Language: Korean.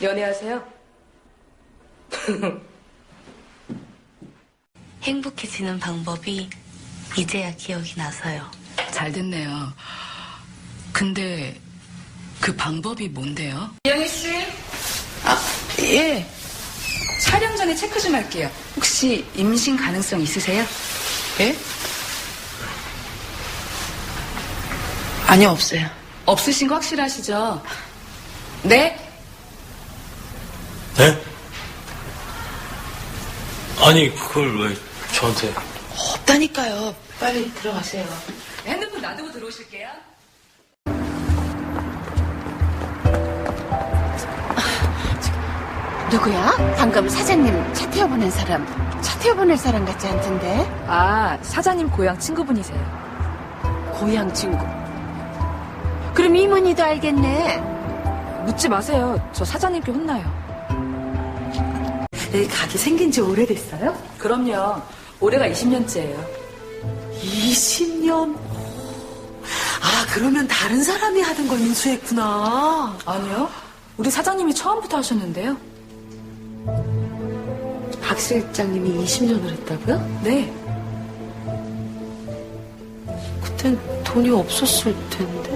연애하세요? 행복해지는 방법이 이제야 기억이 나서요. 잘 됐네요. 근데 그 방법이 뭔데요? 이영희 씨, 예. 촬영 전에 체크 좀 할게요. 혹시 임신 가능성 있으세요? 예? 아니요, 없어요. 없으신 거 확실하시죠? 네? 네? 아니, 그걸 왜 저한테. 없다니까요. 빨리 들어가세요. 핸드폰 놔두고 들어오실게요. 누구야? 방금 사장님 차 태워보낸 사람. 차 태워보낼 사람 같지 않던데? 아, 사장님 고향 친구분이세요. 고향 친구. 그럼 이모니도 알겠네. 묻지 마세요. 저 사장님께 혼나요. 여기 가게 생긴 지 오래됐어요? 그럼요. 올해가 20년째예요. 20년? 아, 그러면 다른 사람이 하던 걸 인수했구나. 아니요. 우리 사장님이 처음부터 하셨는데요. 박 실장님이 20년을 했다고요? 네. 그땐 돈이 없었을 텐데.